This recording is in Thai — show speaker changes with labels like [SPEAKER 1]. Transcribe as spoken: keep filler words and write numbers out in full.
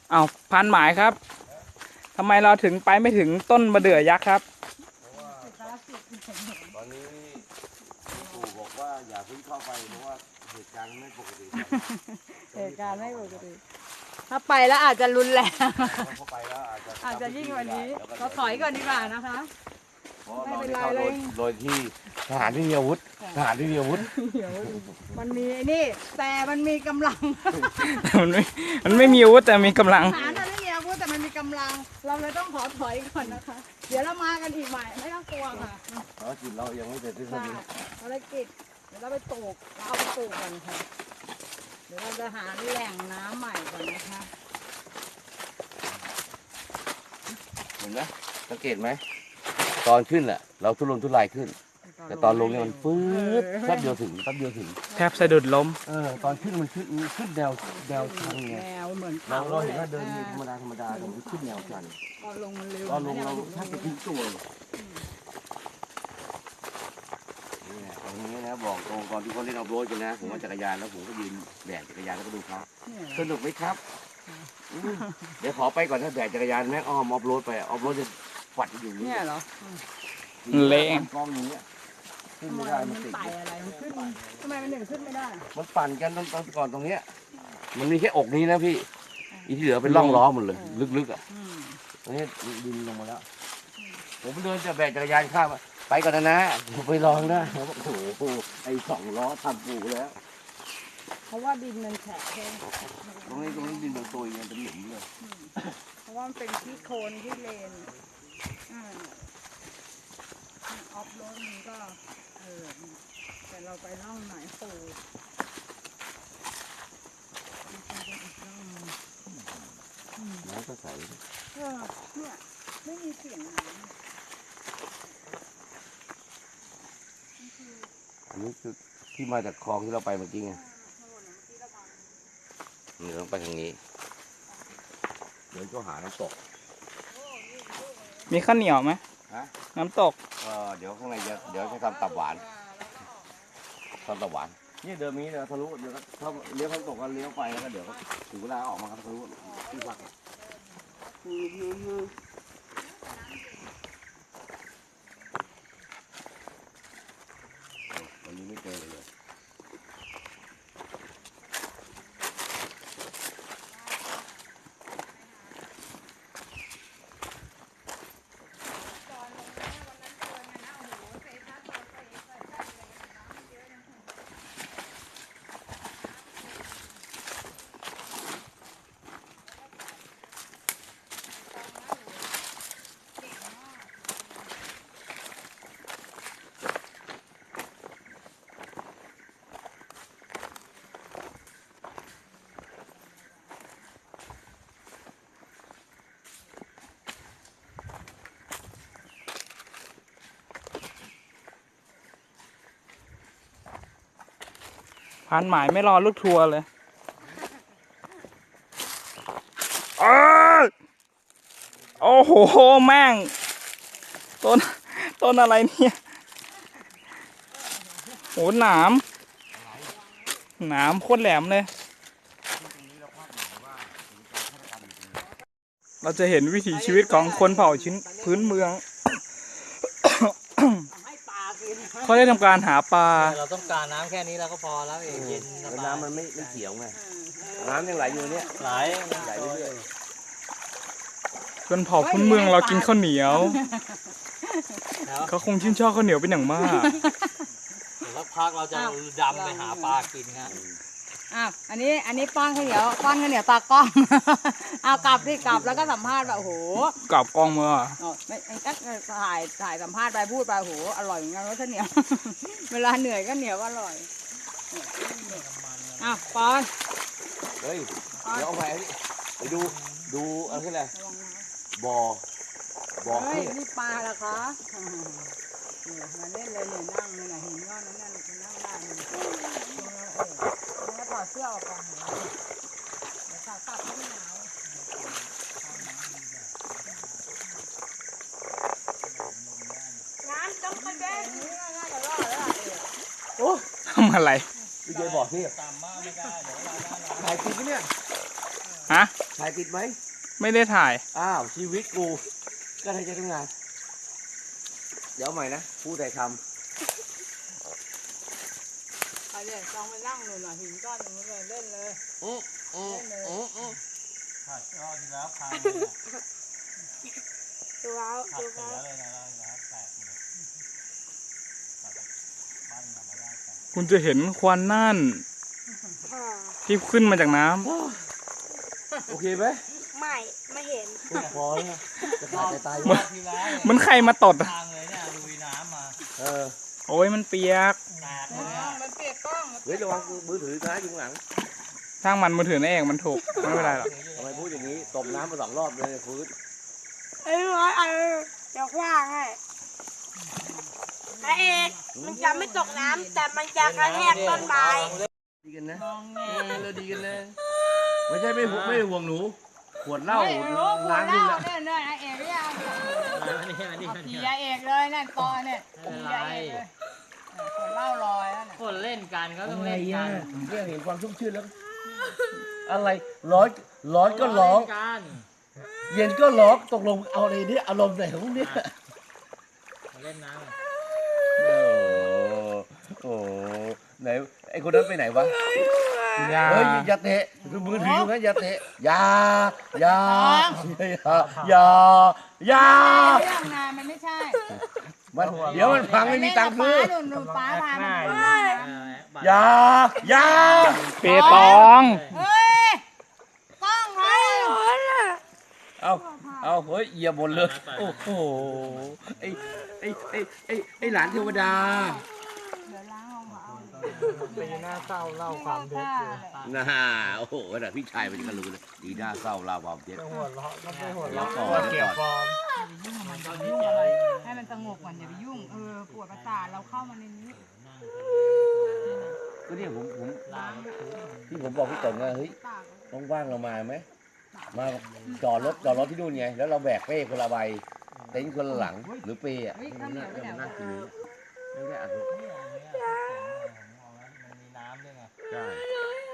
[SPEAKER 1] เอาพันหมายครับทำไมเราถึงไปไม่ถึงต้นมะเดื่อยักษ์ครับ
[SPEAKER 2] ตอนนี้ปู่บอกว่าอย่าเพิ่งเข้าไปเพราะว่าเหตุการณ์ไม่ปกติ
[SPEAKER 3] เหตุการณ์ไม่ปกติถ้าไปแล้วอาจจะรุนแรง
[SPEAKER 2] เข้าไปแล้วอาจจะ
[SPEAKER 3] อาจจะยิ่งกว่านี้เราถอยก่อนดีกว่านะคะ
[SPEAKER 2] ไม่เป็นไรเลยโดยที่ทหารที่มีอาวุธทหารที่มีอาวุธ
[SPEAKER 3] มันมีไอ้นี่แต่มันมีกำลัง
[SPEAKER 1] มันไม่มันไม่มีอาวุธแต่มีกำลัง
[SPEAKER 3] ทหารมันไม่มีอาวุธแต่มันมีกำลังเราเลยต้องขอถอยก่อนนะคะเดี๋ยวเรามากันอีกใหม่ไม่ต้องกลัวค่ะ
[SPEAKER 2] ภารกิจเรายังไม่เสร็จสิ้น
[SPEAKER 3] ภารกิจเดี๋ยวเราไปปลูกเราเอาไปปลูกกันค่ะเดี๋ยวเราจะหาแหล่งน้ำใหม่ก่อนนะคะ
[SPEAKER 2] เห็นไหมสังเกตไหมตอนขึ้นแหละเราทุรนทุรายขึ้นแต่ตอนลงเนี่ยมันฟืดแป๊บเดียวถึงแป๊บเดียวถึง
[SPEAKER 1] แทบสะดุดล้ม
[SPEAKER 2] เออตอนขึ้นมันขึ้นขึ้นแนวแนวชันไง
[SPEAKER 3] แนวเหมือน
[SPEAKER 2] เราเราเห็นว่าเดินธรรมดาธรรมดาแต่มันขึ้นแนวชัน
[SPEAKER 3] ตอนลงมันเร็ว
[SPEAKER 2] ตอนลงเราแทบจะทิ้งตัวนี่ตรงนี้นะบอกตรงตอนที่เขาเล่นเอาโรดกันนะผมว่าจักรยานแล้วผมก็ยืนแบกจักรยานแล้วก็ดูเขาสนุกไหมครับเดี๋ยวขอไปก่อนถ้าแบกจักรยานแม่อ้อมออฟโรดไปออฟโรดจะฝัดอยู่
[SPEAKER 3] เนี่ยเหรอ
[SPEAKER 1] เละ
[SPEAKER 2] กองอย่างเงี้ยขึ้นไม่ได้มันติด
[SPEAKER 3] อะไรมันขึ้นทำไมมันหนึ่งขึ้นไม่ได้
[SPEAKER 2] มันปั่นกันตอนก่อนตรงเนี้ยมันมีแค่อกนี้นะพี่อีที่เหลือเป็นร่องล้อหมดเลยลึกๆอ่ะตรงนี้ดินลงมาแล้วผมเดินจะแบกจักรยานข้ามไปก่อนนะนะไปลองนะโอ้โหไอ้สองล้อทำปูแล้ว
[SPEAKER 3] เพราะว่าดินมันแฉะ
[SPEAKER 2] ตรงนี้ตรงนี้ดินมันตุยมันเป็นหลุมเลย
[SPEAKER 3] เพราะว่ามันเป็นที่โคนที่เลนออฟโรดมันก็เออแต่เราไปร่องไหนปู
[SPEAKER 2] น้ำก็ใส
[SPEAKER 3] เออเนี่ยไม่มีเสียงน้ำ
[SPEAKER 2] อันนี้คือที่มาจากคลองที่เราไปเมื่อกี้ไงนี่ต้องไปทางนี้เดี๋ยวก็หาน้ำตก
[SPEAKER 1] มีข้าวเหนียวไหมน้ำตก
[SPEAKER 2] เออเดี๋ยวข้างในจะเดี๋ยวจะทำตับหวานทำตับหวานนี่เดิมนี้เดี๋ยวทะลุเดี๋ยวถ้าเลี้ยวข้างตกก็เลี้ยวไปแล้วก็เดี๋ยวถึงเวลาออกมาครับทะลุที่พักวันนี้ไม่เจอเลย
[SPEAKER 1] พันหมายไม่รอลูกทัวร์เลยโอ้โหแม่งต้นต้นอะไรเนี่ยโหหนามหนามโคตรแหลมเลยเราจะเห็นวิถีชีวิตของคนเผ่าชิ้นพื้นเมืองเขาได้ทำการหาปลา
[SPEAKER 4] เราต้องการน้ำแค่นี้เราก็พอแล้วเองเย็น
[SPEAKER 2] น้ำมันไม่ไม่เขียวไงน้ำยังไหลอยู่เนี่ย
[SPEAKER 4] ไหล
[SPEAKER 2] ไหลเรื่อย
[SPEAKER 1] ๆคนเผ่าพื้นเมืองเรากินข้าวเหนียวเขาคงชื่นชอบข้าวเหนียวเป็นอย่างมาก
[SPEAKER 4] แล้วพักเราจะดำไปหาปลากินฮะ
[SPEAKER 3] อ้าวอันนี้อันนี้ป้อนข้าวเหนียวป้อนข้าวเหนียวตากล้องเอากลับที่กลับแล้วก็สัมภาษณ์แบบโอ้โห
[SPEAKER 1] กลับกล้องเมื่อ
[SPEAKER 3] ไม่ก็ถ่ายถ่ายสัมภาษณ์ไปพูดไปโอ้โหอร่อยเหมือนกันรสข้าวเหนียวเวลาเหนื่อยก็เหนียวก็อร่อยอ้าวป้อน
[SPEAKER 2] เฮ้ยเดี๋ยวเอาไปไปดูดูอะไรบ่อบ่อ
[SPEAKER 3] เฮ้ยนี่ปลาเหรอคะมาเล่นเลยเนี่ยนั่งเนี่ยหินก้อนนั้นนั่นจะนั่งได้แล้วถอดเสื้อออกก่อนเดี๋ยวตัดตัดไม่หนาวงานจำประเด็นนี้ง่ายๆจะรอดแล้ว
[SPEAKER 1] โอ้ทำอะไร
[SPEAKER 2] พี่เจบอกที่ถ่ายจริงเนี่ย
[SPEAKER 1] ฮะ
[SPEAKER 2] ถ่ายติดไหม
[SPEAKER 1] ไม่ได้ถ่าย
[SPEAKER 2] อ้าวชีวิตกูก็ทำใจทำงาน เดี๋ยวใหม่นะพูดแต่ค
[SPEAKER 3] ไปเลยลองไปนั่งหนูหน่อยหินก้อนหนึ่งเลยเล่นเลย
[SPEAKER 2] ำอืออืออืออือ
[SPEAKER 4] ผัดรอบที่แล้วพังเลยอะ
[SPEAKER 5] ดูแล้ว
[SPEAKER 4] ผัด
[SPEAKER 5] ดู
[SPEAKER 4] เสี
[SPEAKER 5] แล้ว
[SPEAKER 4] ยเลยนะรอบที่แล้วแตกหมดผัดบ้านหลังมาได้แตก
[SPEAKER 1] คุณจะเห็นควันนั่น
[SPEAKER 5] อ่า
[SPEAKER 1] ที่ขึ้นมาจากน้ำ
[SPEAKER 2] โอเคไหม
[SPEAKER 5] ไม่ไม่เห็น
[SPEAKER 2] พอแล้วจะขาดจะตาย
[SPEAKER 4] รอบที่แล้วเนี่ย
[SPEAKER 1] เหมันใครมาตดอะ
[SPEAKER 4] พังเลยเนี่ยลุยน้ำมา
[SPEAKER 2] เออ
[SPEAKER 1] โอ้ยมันเปียก
[SPEAKER 4] แตกเลยอะ
[SPEAKER 3] มันเปียกกล้อง
[SPEAKER 2] เฮ้ยระวังมือถือนะอยู่ข้างหลัง
[SPEAKER 1] ช่างมันมือถือนั่นเองมันถูกไม่เป็นไรหรอก
[SPEAKER 2] ทำไมพูดอย่างนี้ตบน้ำมาสองรอบเลยฟื้น
[SPEAKER 5] เอ้ยร้อยเออเดี๋ยวคว้างให้ไอเอกมันจะไม่ตกน้ำแต่มันจะกระแทกต้นไม้
[SPEAKER 2] ดีกันนะ
[SPEAKER 3] มองแง่
[SPEAKER 2] เออเราดีกันเลยไม่ใช่ไม่ห่วงไม่ห่วงหนูขวดเหล้า
[SPEAKER 3] เฮ้ยรู้ปว
[SPEAKER 2] ล้า
[SPEAKER 3] ด
[SPEAKER 2] ง
[SPEAKER 3] เล่า
[SPEAKER 2] นี่แหละ
[SPEAKER 3] เนี่ยเนี่ยไอเอกเนี่ย
[SPEAKER 4] อันนี้อันนี้
[SPEAKER 3] เอา
[SPEAKER 4] อัน
[SPEAKER 3] ขี่
[SPEAKER 4] นี้
[SPEAKER 3] ยาเอกเลยนั่นตอเนี่ย
[SPEAKER 4] ไม่เป็น
[SPEAKER 3] ขี่
[SPEAKER 4] ไร
[SPEAKER 3] ยาเอกเลยปวดเล่าลอยแล้วน่ะ
[SPEAKER 4] คนเล่นกันก็ต้องเล่นกัน
[SPEAKER 2] เรื่องเห็นความชุ่มชื่นแล้ว อะไรร้อนร้อนก็ร้อง
[SPEAKER 4] เล่นกัน
[SPEAKER 2] เย็นก็ร้องตกลงเอาอะไรเนี่ยอารมณ์ไหนของเนี่ย
[SPEAKER 4] มาเล่นน้ำกัน
[SPEAKER 2] โอ้โหไหนไอคนนั้นไปไหนวะ
[SPEAKER 1] อย่า
[SPEAKER 2] เฮ้ยอย่าเตะคือมือถืออยู่นะอย่าเตะอย่าอย่าอย่าอย่า
[SPEAKER 3] เรื่องนานมันไม่ใช่
[SPEAKER 2] มันเดี๋ยวมันพังไม่มีตังค์ซื้อ
[SPEAKER 3] หนูหนูป้าพามาดู
[SPEAKER 4] เออบัตร
[SPEAKER 2] อย่าอย่า
[SPEAKER 1] เปตอง
[SPEAKER 3] เฮ้ยต้องไง
[SPEAKER 2] เอาเอาเฮ้ยเหยียบบนเลยโอ้โหไอไอไอไอไอหลานเทวดา
[SPEAKER 3] เดี๋ยวล้างห้องเขา
[SPEAKER 4] ปีหน้าเศร้าเล่าความเท็จอยู่
[SPEAKER 2] น่าโอ้โหขนาดพี่ชายมันก็รู้เลยดีหน้าเศร้าลาวความเท็จ
[SPEAKER 4] หัวเราะมันไม่หัว
[SPEAKER 2] เดี๋ยว
[SPEAKER 4] เราะ
[SPEAKER 2] ก่อนเดี๋ยวก่อน
[SPEAKER 3] ยุ่งกับมันจะยุ่งอะไรให้มันสงบก่อนอย่าไปยุ่งเออปวดประสาทเราเข้ามาในนี้
[SPEAKER 2] ก็เนี่ยผมผม
[SPEAKER 4] ลา
[SPEAKER 2] ที่ผมบอกพี่ต๋องว่าเฮ้ย
[SPEAKER 3] ปาก
[SPEAKER 2] ว่างๆเรามาไหมมาจอดรถจอดรถที่นู่นไงแล้วเราแบกเป้คนละใบเต็นท์คนละหลังหรือเป้อะ
[SPEAKER 3] เฮ้ย
[SPEAKER 2] มั
[SPEAKER 3] ข้าวน เหนี
[SPEAKER 2] น่า
[SPEAKER 3] ยวไปไหน
[SPEAKER 2] มันน่ากินไม่ได้อัด
[SPEAKER 4] เนี่ยอันเนี้ยมันมีน้ำด้วยไง
[SPEAKER 2] ใช่